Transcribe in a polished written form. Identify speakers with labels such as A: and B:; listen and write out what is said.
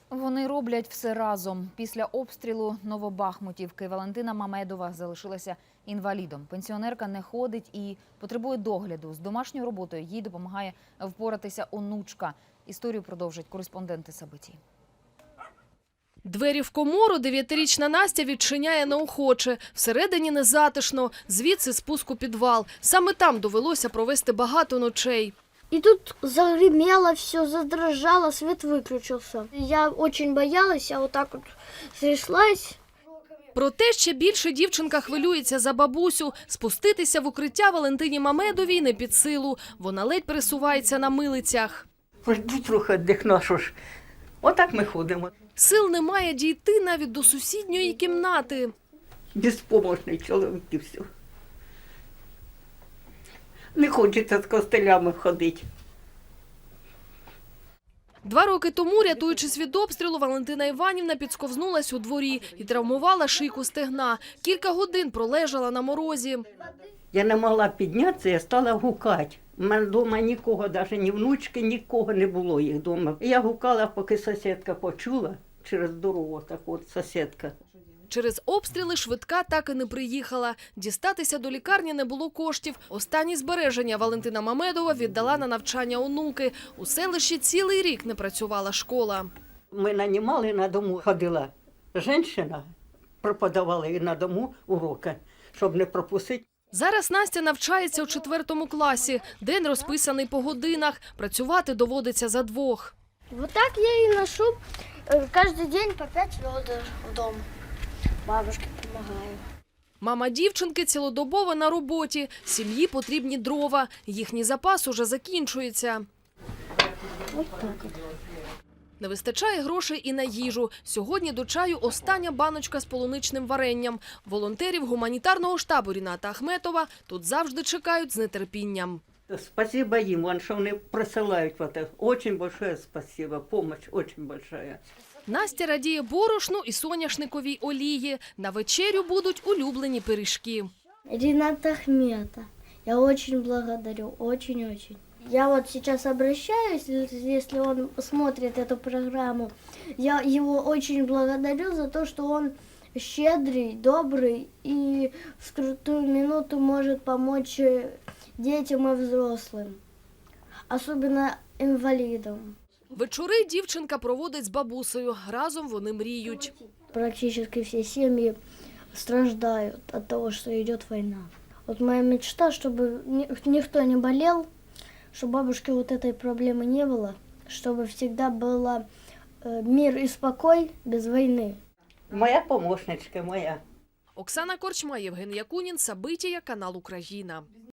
A: Вони роблять все разом. Після обстрілу Новобахмутівки Валентина Мамедова залишилася інвалідом. Пенсіонерка не ходить і потребує догляду. З домашньою роботою їй допомагає впоратися онучка. Історію продовжать кореспонденти Сабиті.
B: Двері в комору 9-річна Настя відчиняє неохоче. Всередині незатишно, звідси спуск у підвал. Саме там довелося провести багато ночей.
C: И тут загремело все, задрожало, свет выключился. Я очень боялась, я вот так вот тряслась.
B: Проте ще більше дівчинка хвилюється за бабусю. Спуститися в укриття Валентині Мамедовій не під силу. Вона ледь пересувається на милицях.
D: Пожди трохи віддихну, що ж. Отак ми ходимо.
B: Сил немає дійти навіть до сусідньої кімнати.
D: Безпомощний чоловік і все. Не хочеться з костелями ходити.
B: 2 роки тому, рятуючись від обстрілу, Валентина Іванівна підсковзнулась у дворі і травмувала шийку стегна. Кілька годин пролежала на морозі.
D: Я не могла піднятися, я стала гукати. У мене вдома нікого, навіть ні внучки, нікого не було їх вдома. Я гукала, поки сусідка почула через дорогу, так от сусідка.
B: Через обстріли швидка так і не приїхала. Дістатися до лікарні не було коштів. Останні збереження Валентина Мамедова віддала на навчання онуки. У селищі цілий рік не працювала школа.
D: Ми нанімали, на дому ходила жінка, преподавала і на дому уроки, щоб не пропустити.
B: Зараз Настя навчається у 4 класі. День розписаний по годинах. Працювати доводиться за двох.
C: Вот так я и ношу каждый день по 5 ведер в дом. Бабушке помогаю.
B: Мама дівчинки цілодобово на роботі. Сім'ї потрібні дрова. Їхній запас уже закінчується.
C: Вот так вот.
B: Не вистачає грошей і на їжу. Сьогодні до чаю остання баночка з полуничним варенням. Волонтерів гуманітарного штабу Ріната Ахметова тут завжди чекають з нетерпінням.
D: Спасибо їм, що вони присилають. Дуже велике спасибо, допомога дуже велика.
B: Настя радіє борошну і соняшниковій олії. На вечерю будуть улюблені пиріжки.
C: Ринат Ахмета, я очень благодарю, очень-очень. Я вот сейчас обращаюсь, если он смотрит эту программу, я его очень благодарю за то, что он щедрый, добрый и в скрутую минуту может помочь детям и взрослым, особенно инвалидам.
B: Вечори дівчинка проводить з бабусею. Разом вони мріють.
C: Практически все семьи страждают от того, что идет война. Вот моя мечта, чтобы никто не болел, чтобы бабушке вот этой проблемы не было, чтобы всегда был мир и спокой без войны.
D: Моя помощничка, моя.
B: Оксана Корчма, Євген Якунін, Сабитія, канал Україна.